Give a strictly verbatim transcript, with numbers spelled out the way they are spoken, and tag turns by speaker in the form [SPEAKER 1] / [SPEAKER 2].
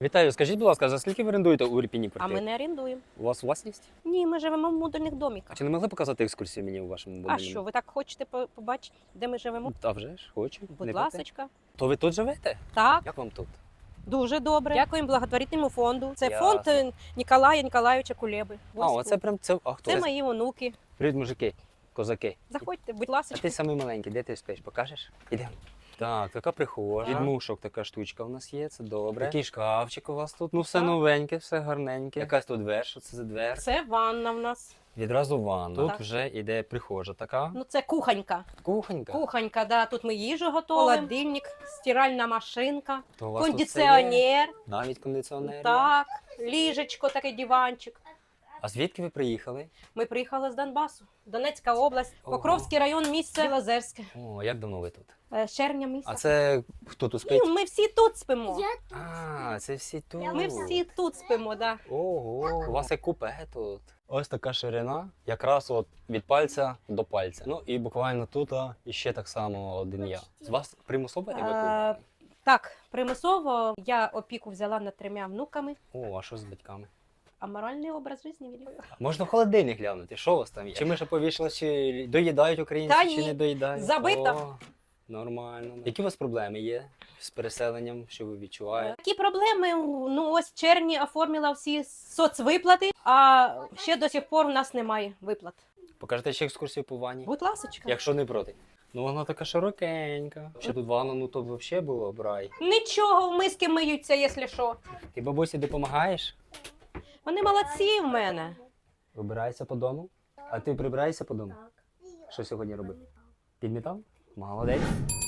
[SPEAKER 1] Вітаю, скажіть, будь ласка, за скільки ви орендуєте у Ірпіні
[SPEAKER 2] А
[SPEAKER 1] квартиру?
[SPEAKER 2] ми не орендуємо.
[SPEAKER 1] У вас власність?
[SPEAKER 2] Ні, ми живемо в модульних доміках.
[SPEAKER 1] Чи не могли показати екскурсію мені у вашому будинку?
[SPEAKER 2] А що, ви так хочете по- побачити, де ми живемо?
[SPEAKER 1] Та вже ж, хочу.
[SPEAKER 2] Будь
[SPEAKER 1] Не
[SPEAKER 2] ласочка.
[SPEAKER 1] проти. То ви тут живете?
[SPEAKER 2] Так,
[SPEAKER 1] Як вам тут?
[SPEAKER 2] дуже добре. Дякуємо благотворительному фонду. Це
[SPEAKER 1] Ясно.
[SPEAKER 2] фонд е, Ніколая Ніколаєвича Кулеби.
[SPEAKER 1] А, оце прям це. А хто?
[SPEAKER 2] Це мої онуки.
[SPEAKER 1] Привіт, мужики, козаки.
[SPEAKER 2] Заходьте, будь
[SPEAKER 1] А
[SPEAKER 2] ласка.
[SPEAKER 1] ти самий маленький, де ти спиш? Покажеш? Ідемо. Так, така прихожа. Від
[SPEAKER 2] Ага.
[SPEAKER 1] мушок така штучка у нас є, це добре. Такий шкафчик у вас тут. Ну все
[SPEAKER 2] Так.
[SPEAKER 1] новеньке, все гарненьке. Якась тут двер, що це за двер?
[SPEAKER 2] Це ванна в нас.
[SPEAKER 1] Відразу ванна. Тут
[SPEAKER 2] Так.
[SPEAKER 1] вже іде прихожа така.
[SPEAKER 2] Ну це кухонька.
[SPEAKER 1] Кухонька.
[SPEAKER 2] Кухонька, да. Тут ми їжу готуємо. Холодильник, стиральна машинка,
[SPEAKER 1] То у вас тут все є?
[SPEAKER 2] кондиціонер.
[SPEAKER 1] Навіть кондиціонер. є?
[SPEAKER 2] Так, ліжечко, такий диванчик.
[SPEAKER 1] А звідки ви приїхали?
[SPEAKER 2] Ми приїхали з Донбасу. Донецька область,
[SPEAKER 1] Ого.
[SPEAKER 2] Покровський район, місце Білозерське.
[SPEAKER 1] О, як давно ви тут?
[SPEAKER 2] Е, з червня місяця.
[SPEAKER 1] А це хто тут спить?
[SPEAKER 2] Ну, ми всі тут спимо.
[SPEAKER 1] А, це всі тут.
[SPEAKER 2] Ми всі тут спимо, да.
[SPEAKER 1] Ого, у вас є купе тут. Ось така ширина, якраз от від пальця до пальця. Ну і буквально тут а, і ще так само один я. З вас примусово евакуювали?
[SPEAKER 2] Так, примусово я опіку взяла над трьома внуками,
[SPEAKER 1] О, а що з батьками?
[SPEAKER 2] а моральний образ життя великий.
[SPEAKER 1] Можна в холодильник глянути, що у вас там є? Чи ми ще повішали, чи доїдають українці,
[SPEAKER 2] Та
[SPEAKER 1] чи
[SPEAKER 2] ні,
[SPEAKER 1] не доїдають?
[SPEAKER 2] забито.
[SPEAKER 1] О, нормально. Які у вас проблеми є з переселенням, що ви відчуваєте?
[SPEAKER 2] Такі проблеми, ну ось в червні оформила всі соцвиплати, а ще до сих пор у нас немає виплат.
[SPEAKER 1] Покажете ще екскурсію по ванні?
[SPEAKER 2] Будь ласочка.
[SPEAKER 1] Якщо не проти. Ну вона така широкенька. Ще тут ванна, ну то взагалі було б рай.
[SPEAKER 2] Нічого, в миски миються, якщо що.
[SPEAKER 1] Ти бабусі допомагаєш?
[SPEAKER 2] Вони молодці в мене.
[SPEAKER 1] Вибираєшся по дому? А ти прибираєшся по дому? Що сьогодні робив? Підмітав? Молодець.